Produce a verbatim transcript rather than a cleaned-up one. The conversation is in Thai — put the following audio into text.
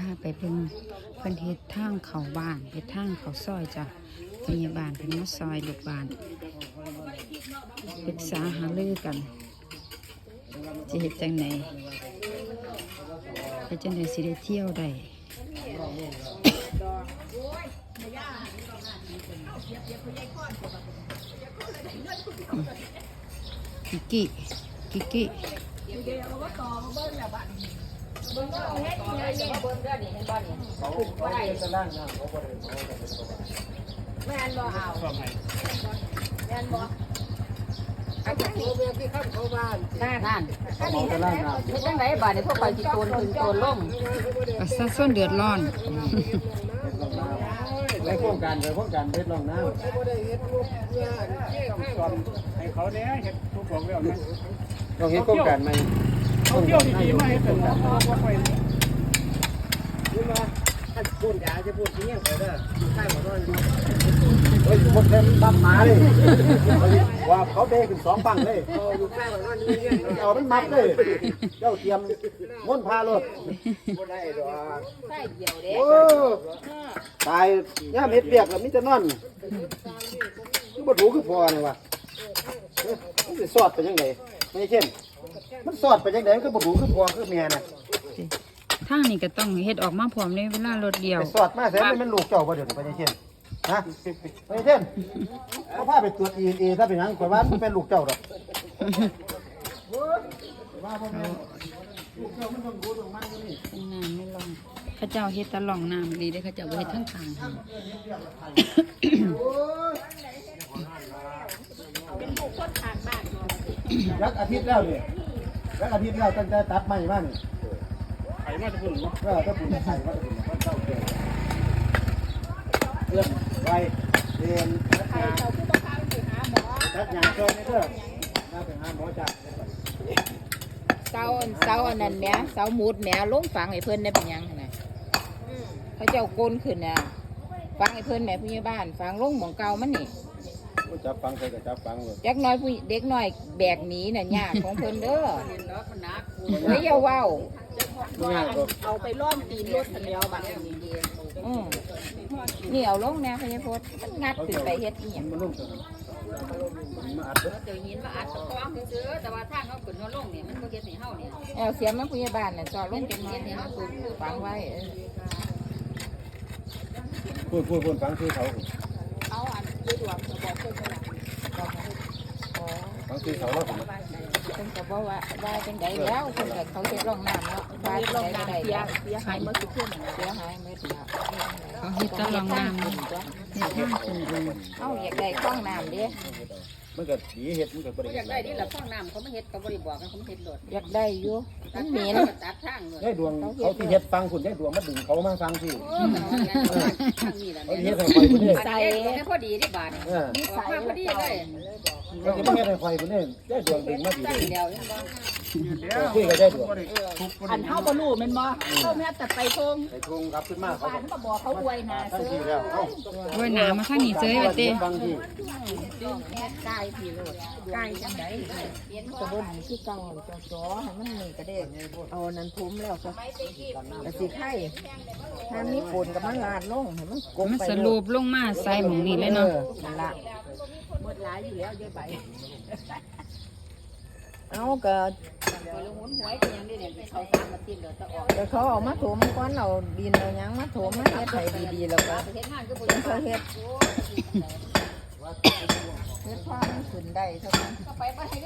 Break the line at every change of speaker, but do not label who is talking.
าไปเพิ่นเพิ่นเฮ็ดทางเข้าบ้านเฮ็ดทางเข้าซอยจ้ะพยาบาลเพิ่นมาซอยลูกบ้านปรึกษาหารือกันจะเฮ็ดจังได๋เฮ็ดจังได๋สิได้เที่ยวได้กิกกิกิกกิ
แม่นบ่เอาแม่นบ่อันนี้ที่ข้ามเขาบ้านนั่นนั่นอันนี้ไม่จังไดบาดนี้พวกไปสิโกนขึ้นโกนลง
ประชาชนเดือดร้อน
ไปโครงการไปโครงการเฮ็ดรองน้ำให้เขาเนี่ยเฮ็ดทุกของแล้วนะเราเฮ็ดโครงการใหม่ท่องเที่ยวดีๆมาเฮ็ดโครงการว่าไปนี่มาถ้าพูดยาจะพูดจริงไปเด้ออยู่ใกล้บ่น้อยเฮ้ยพวกเต็มปั๊มมาเลยว่าเขาเด้ขึ้นสองฝั่งเลยอยู่ใกล้บ่น้อยนี่เอามันมัดเลยเจ้าเตรียมม้วนพารถบ่ได้ดอกใส่เดียวเด้โอ้ตายย่าเม็ดเปียกแล้วมีแต่นอนคือบ่ถูคือพอนี่ว่ะมันสิสอดไปจังได๋ไม่ใช่เข้มมันสอดไปจังได๋มันก็บ่ถูคือพอคือแม่น่ะ
ทางนี้ก็ต้องเฮ็ดออกมาพร้อมในเวลารถเดียว
ไปสอดมาแสนมันลูกเจ้าบ่เดี๋ยวนี้ไปเช่นฮะไปเช่นเขาพาไปตรวจ ดี เอ็น เอ ถ้าเป็นหยังข่อยว่ามันเป็นลูกเจ้าดอกว่าบ่แม่นลูกเจ้ามันต้องรู้ตรงมันอยู่นี่
น้ำไม่ลองเขาเจ้าเฮ็ดตะล่องน้ำดีเด้เขาเจ้าบ่เฮ็ดทั้งทาง
เป็นผู้คนทางบ้าน
ยักอาทิตย์แล้วนี่ยักอาทิตย์แล้วตั้งแต่ตัดไม้มานี่ไข่มาจะพุ่นเนาะถ้าพุ่นไข่มาจะพุ่นมันเจ้าเกิดเรื่องไว้เรียนทัดยาทัดยาช่วยในเรื่องน่าไปหาหมอจ้า
เสาเสาอันนั้นแหมเสาหมุดแหมลงฝังให้เพิ่นได้เป็นยังไงเขาเจ้าโกนขึ้นน่ะฝังให้เพิ่นแหมผู้ใหญ่บ้านฝังลงหม่องเก่ามันนี่
จับฟังใครก็จับฟังเลย
จักน้อยผู้เด็กน้อยแบกหนีน่ะยากของเพิ่นเด้อเฮ้ยอย่าเว้าเอาไปล้อมตีนรถคันเดียวบัดนี้อือนี่เอาลงแน่พญาพจน์มันงัดขึ้นไปเฮ็ดอีหยัง
มันลงมาอัดเ
จอหินมาอัดตะคองซื้อแต่ว่าทางเขาขึ้นเขาลงเนี่ยมันก็เฮ็ดให้เฮาเนี่ย
เอาเสียมมาผู้ใหญ่บ้านน่ะจอดลงเป็นเฮ็ดให้เฮาฝังไว้
พูดพูดพูดฟังคือเขา
เอาอันด้วยดวงบอกเพิ่นว่า
ฟังคือเขาแล้วผม
เพิ่นก็บอกว่าว่าจังได๋แล้วเพิ่นก็เขาเฮ็ดร่องน้ำเนาะว่าจังได๋ได้เสียหายหมดทุกคนเสียหายหมดแล้ว
เขาเฮ็ดตะล่องน้ำเฮ็ดทางขึ้นเอง
เอ้าอยากได้คล้องน้ำเด้
มันก็ดีเฮ็ดมันก็บ่ได้
อยากได้นี่ล่ะคล้องน้ำเขาไม่เฮ็ดก็บ่ได้บอกกันเขาไม่เฮ็ดโดด
อยากได้อยู่มันเหม็น
ตัดทางเลย
ได้ดวงเขาที่เฮ็ดฟังคุณได้ดวงมาดึงเขามาฟังสิ
เออทางนี้ล่ะ
เขาเฮ็ดให้ข่อยพุ่นนี่
ใส่ให้พอดีที่บาด
เออ
มีใส่พอดีเลย
เขาสิมาเฮ็ดให้ข่อยพุ่นนี่ได้ดวงดึงมาดี
เดียวยังบ่
คุยก็ได้ดวง
อันเฮาบ่รู้แม่นบ่เฮาแม่แต่ไปทง
ไปทงครับขึ้นมาเขา
ก็บอกเขาอวยหน้า
ซื้อแล้วเอ้า
อวยหน้ามาทางนี้เจ้ยว่าติ
ฟังที่
แค่กายพี่โลดกายจังได๋ก็บ่ดีคือเก่าจ่อๆให้มันนี่ก็ได้เอานั้นทุ้มแล้วก็ก็สิไข่ถ้ามีฝนก็มันลาดลงให้มันกลม
มัน
ไป
สรุปลงมาใส่หม่องนี้เลยเนาะ
นั่นล่ะหมดหลายอยู่แล้วเยอะไปเอาก็
ลงหุนหวยเป็นยังได้เนี่ยเขาสร้างมาติดเดี๋ยวจะออก
แต่เขาเอามาถมก่อนเอาดินเอาหยังมาถมมาเฮ็ดให้ดีๆแล้วก็
เฮ็ดงานคือบ่
เขาเฮ็ดเฮ็ดพอมันขึ้นได้เท่านั้น